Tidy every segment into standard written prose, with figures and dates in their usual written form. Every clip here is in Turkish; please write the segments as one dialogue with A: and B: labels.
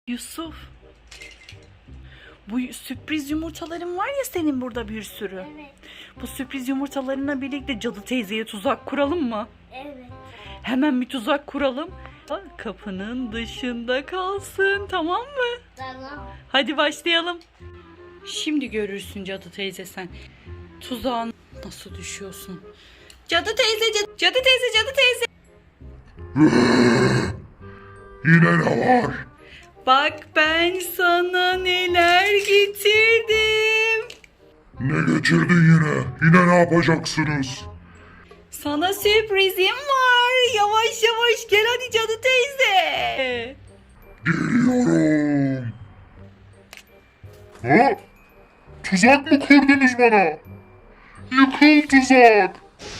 A: Yusuf, bu sürpriz yumurtaların var ya senin burada bir sürü.
B: Evet.
A: Bu sürpriz yumurtalarına birlikte Cadı teyzeye tuzak kuralım mı?
B: Evet.
A: Hemen bir tuzak kuralım. Kapının dışında kalsın, tamam mı?
B: Tamam.
A: Hadi başlayalım. Şimdi görürsün Cadı teyze sen. Tuzağın nasıl düşüyorsun? Cadı teyze, Cadı teyze, Cadı teyze.
C: Yine ne var?
A: Bak ben sana neler getirdim.
C: Ne getirdin yine? Yine ne yapacaksınız?
A: Sana sürprizim var. Yavaş yavaş gel hadi Cadı teyze.
C: Geliyorum. Ha? Tuzak mı kurdunuz bana? Yıkıl tuzak.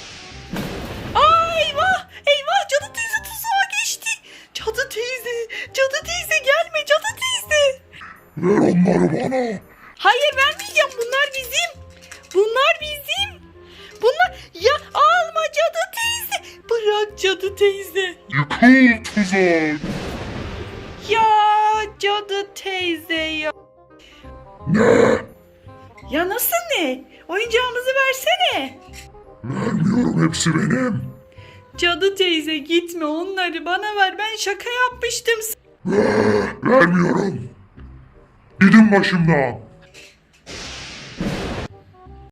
A: Ay eyvah eyvah Cadı teyze tuzağa geçti. Cadı teyze, Cadı teyze gelme Cadı teyze.
C: Ver onları bana.
A: Hayır vermeyeceğim, bunlar bizim. Bunlar bizim. Bunlar ya alma Cadı teyze. Bırak Cadı teyze.
C: Yıkıl tuzak.
A: Ya Cadı teyze ya.
C: Ne?
A: Ya nasıl ne? Oyuncağımızı versene.
C: Vermiyorum, hepsi benim.
A: Cadı teyze gitme, onları bana ver, ben şaka yapmıştım.
C: Vermiyorum. Gidin başımdan.